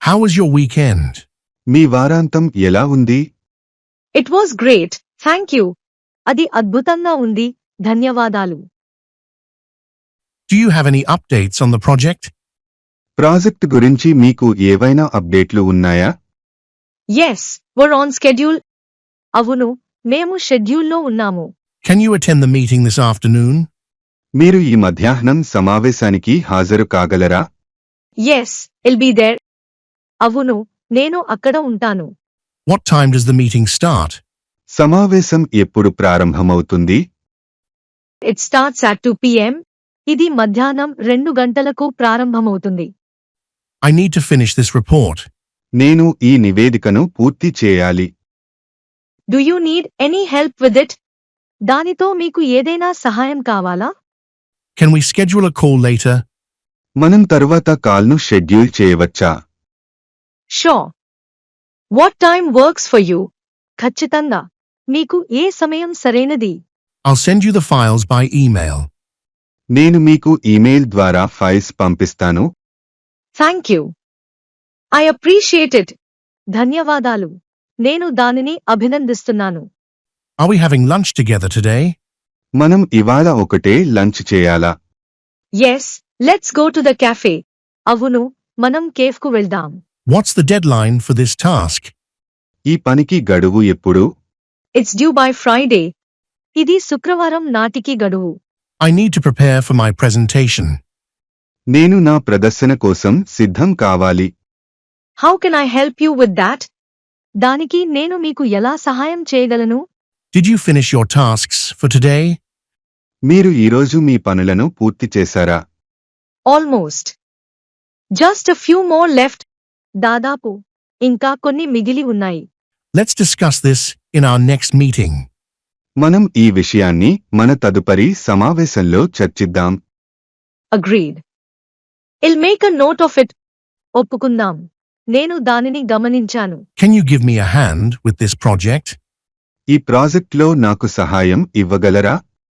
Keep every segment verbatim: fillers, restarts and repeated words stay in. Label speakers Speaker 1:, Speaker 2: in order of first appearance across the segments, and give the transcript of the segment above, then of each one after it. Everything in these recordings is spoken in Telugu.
Speaker 1: How was your weekend?
Speaker 2: మీ వారాంతం ఎలా ఉంది?
Speaker 3: It was great, thank you. అది అద్భుతంగా ఉంది, ధన్యవాదాలు.
Speaker 1: Do you have any updates on the project?
Speaker 2: Project గురించి మీకు ఏవైనా అప్డేట్లు ఉన్నాయా?
Speaker 3: Yes, we're on schedule. అవును, మేము షెడ్యూల్లో ఉన్నాము.
Speaker 1: Can you attend the meeting this afternoon?
Speaker 2: మీరు ఈ మధ్యాహ్నం సమావేశానికి హాజరు కాగలరా?
Speaker 3: Yes, I'll be there. అవును, నేను అక్కడ ఉంటాను.
Speaker 1: What time does the meeting start?
Speaker 2: సమావేశం ఎప్పుడు ప్రారంభమవుతుంది?
Speaker 3: It starts at two p m ఇది మధ్యాహ్నం రెండు గంటలకు ప్రారంభమవుతుంది.
Speaker 1: I need to finish this report.
Speaker 2: నేను ఈ నివేదికను పూర్తి చేయాలి.
Speaker 3: Do you need any help with it? దానితో మీకు ఏదైనా సహాయం కావాలా?
Speaker 1: Can we schedule a call later?
Speaker 2: మనం తరువాత కాల్ను షెడ్యూల్ చేయవచ్చా?
Speaker 3: Sure. What time works for you? ఖచ్చితంగా. మీకు ఏ సమయం సరైనది?
Speaker 1: I'll send you the files by email.
Speaker 2: నేను మీకు ఈమెయిల్ ద్వారా ఫైల్స్ పంపిస్తాను.
Speaker 3: Thank you. I appreciate it. ధన్యవాదాలు. నేను దానిని అభినందిస్తున్నాను.
Speaker 1: Are we having lunch together today?
Speaker 2: మనం ఇవాళ ఒకటే లంచ్ చేయాలా?
Speaker 3: Yes, let's go to the cafe. అవును, మనం కేఫ్కు వెళ్దాం.
Speaker 1: What's the deadline for this task?
Speaker 2: ఈ పనికి గడువు ఎప్పుడు?
Speaker 3: It's due by Friday. ఇది శుక్రవారం నాటికి గడువు.
Speaker 1: I need to prepare for my presentation.
Speaker 2: నేను నా ప్రదర్శన కోసం సిద్ధం కావాలి.
Speaker 3: How can I help you with that? దానికి నేను మీకు ఎలా సహాయం చేయగలను?
Speaker 1: Did you finish your tasks for today?
Speaker 2: మీరు ఈరోజు మీ పనులను పూర్తి చేశారా?
Speaker 3: Almost. Just a few more left. దాదాపు. ఇంకా కొన్ని మిగిలి ఉన్నాయి.
Speaker 1: Let's discuss this in our next meeting.
Speaker 2: మనం ఈ విషయాన్ని మన తదుపరి సమావేశంలో చర్చిద్దాం.
Speaker 3: Agreed. I'll make a note of it. ఒప్పుకుందాం. నేను దానిని గమనించాను.
Speaker 1: Can you give me a hand with this project?
Speaker 2: ఈ ప్రాజెక్ట్లో నాకు సహాయం ఇవ్వగలరా?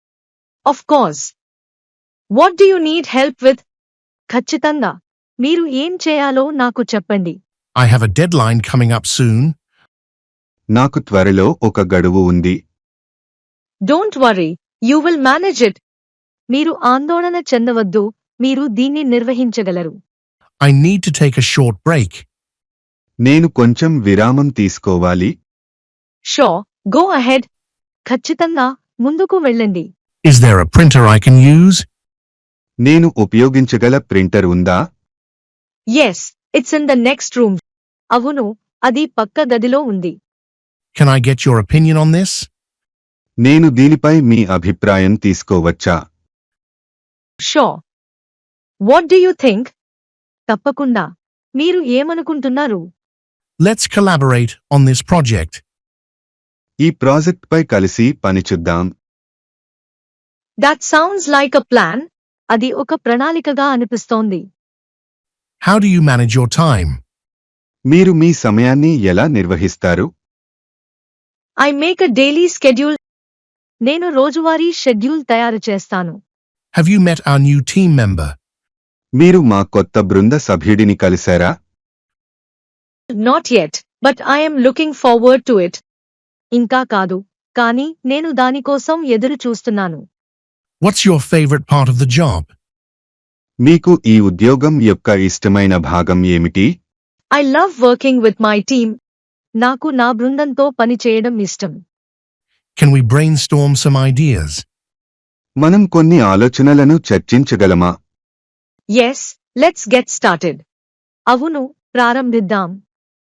Speaker 3: Of course. What do you need help with? ఖచ్చితంగా. మీరు ఏం చేయాలో నాకు చెప్పండి.
Speaker 1: I have a deadline coming up soon.
Speaker 2: నాకు త్వరలో ఒక గడువు ఉంది.
Speaker 3: Don't worry, you will manage it. మీరు ఆందోళన చెందవద్దు, మీరు దీన్ని నిర్వహించగలరు.
Speaker 1: I need to take a short break.
Speaker 2: నేను కొంచెం విరామం తీసుకోవాలి.
Speaker 3: Sure, go ahead. ఖచ్చితంగా, ముందుకు వెళ్ళండి.
Speaker 1: Is there a printer I can use?
Speaker 2: నేను ఉపయోగించగల ప్రింటర్ ఉందా?
Speaker 3: Yes, it's in the next room. అవును, అది పక్క గదిలో ఉంది.
Speaker 1: Can I get your opinion on this?
Speaker 2: నేను దీనిపై మీ అభిప్రాయం తీసుకోవచ్చా?
Speaker 3: Sure. What do you think? తప్పకుండా. మీరు ఏమనుకుంటున్నారు?
Speaker 1: Let's collaborate on this project.
Speaker 2: ఈ ప్రాజెక్ట్పై కలిసి పనిచేద్దాం.
Speaker 3: That sounds like a plan. అది ఒక ప్రణాళికగా అనిపిస్తోంది.
Speaker 1: How do you manage your time?
Speaker 2: మీరు మీ సమయాన్ని ఎలా నిర్వహిస్తారు?
Speaker 3: I make a daily schedule. నేను రోజువారీ షెడ్యూల్ తయారు చేస్తాను.
Speaker 1: Have you met our new team member?
Speaker 2: మీరు మా కొత్త బృంద సభ్యుడిని కలిశారా?
Speaker 3: Not yet, but I am looking forward to it. ఇంకా కాదు, కానీ నేను దానికోసం ఎదురు చూస్తున్నాను.
Speaker 1: What's your favorite part of the job?
Speaker 2: మీకు ఈ ఉద్యోగం యొక్క ఇష్టమైన భాగం ఏమిటి?
Speaker 3: I love working with my team. నాకు నా బృందంతో పని చేయడం ఇష్టం.
Speaker 1: Can we brainstorm some ideas?
Speaker 2: మనం కొన్ని ఆలోచనలను చర్చించగలమా?
Speaker 3: Yes, let's get started. అవును, ప్రారంభిద్దాం.